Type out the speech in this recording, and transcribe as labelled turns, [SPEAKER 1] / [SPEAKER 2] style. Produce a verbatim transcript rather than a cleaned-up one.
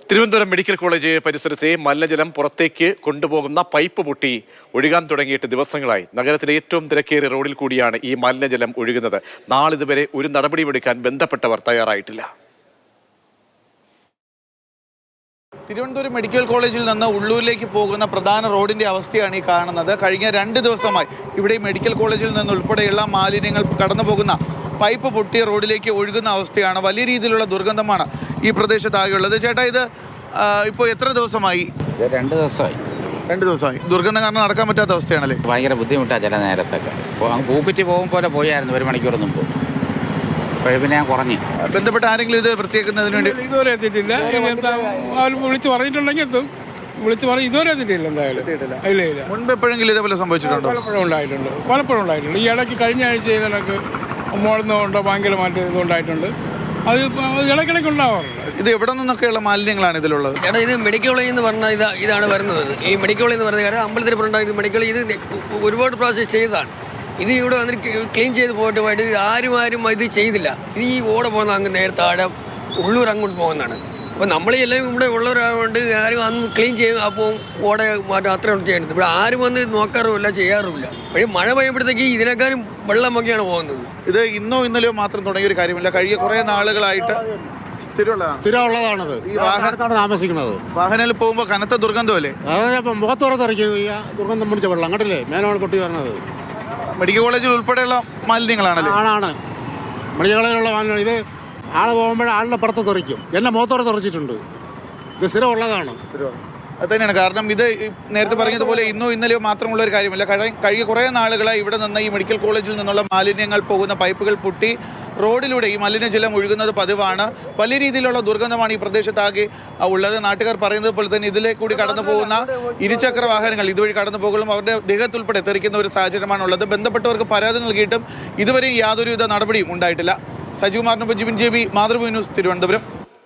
[SPEAKER 1] Thiruvananthapuram medical college പരിസരത്തെ മലിനജലം പുറത്തേക്ക് കൊണ്ടുപോകുന്ന പൈപ്പ് പൊട്ടി ഒഴുകാൻ തുടങ്ങിയിട്ട് ദിവസങ്ങളായി. നഗരത്തിലെ ഏറ്റവും തിരക്കേറിയ റോഡിൽ കൂടിയാണ് ഈ മലിനജലം ഒഴുകുന്നത്. നാളിതുവരെ ഒരു നടപടിയെടുക്കാൻ ബന്ധപ്പെട്ടവർ തയ്യാറായിട്ടില്ല.
[SPEAKER 2] തിരുവനന്തപുരം മെഡിക്കൽ കോളേജിൽ നിന്ന് ഉള്ളൂരിലേക്ക് പോകുന്ന പ്രധാന റോഡിന്റെ അവസ്ഥയാണ് ഈ കാണുന്നത്. കഴിഞ്ഞ രണ്ട് ദിവസമായി ഇവിടെ മെഡിക്കൽ കോളേജിൽ നിന്ന് ഉൾപ്പെടെയുള്ള മാലിന്യങ്ങൾ കടന്നു പോകുന്ന പൈപ്പ് പൊട്ടിയ റോഡിലേക്ക് ഒഴുകുന്ന അവസ്ഥയാണ്. വലിയ രീതിയിലുള്ള ദുർഗന്ധമാണ് ഈ പ്രദേശത്താകെയുള്ളത്. ചേട്ടാ, ഇത് ഇപ്പോൾ എത്ര ദിവസമായി?
[SPEAKER 3] രണ്ട് ദിവസമായി
[SPEAKER 2] രണ്ട് ദിവസമായി ദുർഗന്ധം കാരണം നടക്കാൻ പറ്റാത്ത അവസ്ഥയാണല്ലേ?
[SPEAKER 3] ഭയങ്കര ബുദ്ധിമുട്ടാണ് ചില നേരത്തൊക്കെ. പൂക്കുറ്റി പോകും പോലെ പോയായിരുന്നു ഒരു മണിക്കൂർ മുമ്പ്. പിന്നെ ഞാൻ കുറഞ്ഞു.
[SPEAKER 2] ബന്ധപ്പെട്ട ആരെങ്കിലും ഇത് വൃത്തിയാക്കുന്നതിന് വേണ്ടി
[SPEAKER 4] ഇതുവരെ എത്തിയിട്ടില്ല. വിളിച്ച് പറഞ്ഞിട്ടുണ്ടെങ്കിൽ എത്തും. വിളിച്ച് പറഞ്ഞ് ഇതുവരെ എത്തിയിട്ടില്ല. എന്തായാലും ഇല്ല ഇല്ല
[SPEAKER 2] മുൻപ് എപ്പോഴെങ്കിലും ഇതേപോലെ സംഭവിച്ചിട്ടുണ്ടോ?
[SPEAKER 4] പലപ്പോഴും ഉണ്ടായിട്ടുണ്ട് പലപ്പോഴും ഉണ്ടായിട്ടുണ്ട് ഈ ഇടയ്ക്ക് കഴിഞ്ഞ ആഴ്ച ചെയ്തതൊക്കെ മോളുന്നുണ്ടോ ഭയങ്കരമായിട്ട് ഇതുണ്ടായിട്ടുണ്ട്. അത് ഇടയ്ക്കിടയ്ക്ക് ഉണ്ടാവാറുണ്ട്.
[SPEAKER 2] ഇത് എവിടെ നിന്നൊക്കെയുള്ള മാലിന്യങ്ങളാണ് ഇതിലുള്ളത്?
[SPEAKER 5] ചേട്ടാ, ഇത് മെഡിക്കൽ കോളേജ് എന്ന് പറഞ്ഞാൽ ഇതാ ഇതാണ് വരുന്നത്. ഈ മെഡിക്കൽ കോളേജ് എന്ന് പറഞ്ഞ കാര്യം അമ്പലത്തിൽപ്പുണ്ടായത് മെഡിക്കൽ ഇത് ഒരുപാട് പ്രാവശ്യം ചെയ്തതാണ്. ഇത് ഇവിടെ വന്നിട്ട് ക്ലീൻ ചെയ്ത് പോയിട്ട് പോയിട്ട് ആരും ആരും ഇത് ചെയ്തില്ല. ഇത് ഈ ഓട പോകുന്ന അങ്ങ് നേരത്തെ ആടെ ഉള്ളൂർ അങ്ങോട്ട് പോകുന്നതാണ്. അപ്പോൾ നമ്മളെല്ലാം ഇവിടെ ഉള്ളവരായതുകൊണ്ട് ആരും അന്ന് ക്ലീൻ ചെയ്യും. അപ്പോൾ ഓട മാറ്റം അത്രയും ചെയ്യുന്നത്. ഇവിടെ ആരും വന്ന് നോക്കാറുമില്ല, ചെയ്യാറുമില്ല. പക്ഷേ മഴ പെയ്യുമ്പോഴത്തേക്ക് ഇതിനേക്കാളും വെള്ളമൊക്കെയാണ് പോകുന്നത്.
[SPEAKER 2] ഇത് ഇന്നോ ഇന്നലെയോ മാത്രം തുടങ്ങിയ ഒരു കാര്യമില്ല. കഴിഞ്ഞ കുറേ നാളുകളായിട്ട്
[SPEAKER 6] സ്ഥിരമുള്ളതാണത്. ഈ വാഹനത്താണ് താമസിക്കുന്നത്.
[SPEAKER 2] വാഹനത്തിൽ പോകുമ്പോൾ കനത്ത ദുർഗന്ധമല്ലേ?
[SPEAKER 6] അതായത് മുഖത്തുറത്തിറക്കിയത് ഈ ദുർഗന്ധം പിടിച്ച വെള്ളം കണ്ടില്ലേ മേനോട് കൊട്ടി വരണത്.
[SPEAKER 2] മെഡിക്കൽ കോളേജിൽ ഉൾപ്പെടെയുള്ള മാലിന്യങ്ങളാണല്ലേ?
[SPEAKER 6] ആണാണ് മെഡിക്കൽ കോളേജിലുള്ള മാലിന്യം. ഇത് ആൾ പോകുമ്പോൾ ആളുടെ പുറത്ത് തെറിക്കും. എന്നെ മുഖത്തോടെ തെറിച്ചിട്ടുണ്ട്. ഇത് സ്ഥിരമുള്ളതാണ്.
[SPEAKER 2] അത് തന്നെയാണ് കാരണം. ഇത് നേരത്തെ പറഞ്ഞതുപോലെ ഇന്നോ ഇന്നലെയോ മാത്രമുള്ള ഒരു കാര്യമില്ല. കഴിഞ്ഞ കുറേ നാളുകളായി ഇവിടെ നിന്ന് ഈ മെഡിക്കൽ കോളേജിൽ നിന്നുള്ള മാലിന്യങ്ങൾ പോകുന്ന പൈപ്പുകൾ പൊട്ടി റോഡിലൂടെ ഈ മലിനജലം ഒഴുകുന്നത് പതിവാണ്. വലിയ രീതിയിലുള്ള ദുർഗന്ധമാണ് ഈ പ്രദേശത്താകെ ഉള്ളത്. നാട്ടുകാർ പറയുന്നത് പോലെ തന്നെ ഇതിലെ കൂടി കടന്നു പോകുന്ന ഇരുചക്ര വാഹനങ്ങൾ ഇതുവഴി കടന്നു പോകുമ്പോൾ അവരുടെ ദേഹത്തുൾപ്പെടെ തെറിക്കുന്ന ഒരു സാഹചര്യമാണുള്ളത്. ബന്ധപ്പെട്ടവർക്ക് പരാതി നൽകിയിട്ടും ഇതുവരെ യാതൊരുവിധ നടപടിയും ഉണ്ടായിട്ടില്ല. സജീവ് കുമാറിനൊപ്പം Jibin J B, Mathrubhumi news, Thiruvananthapuram.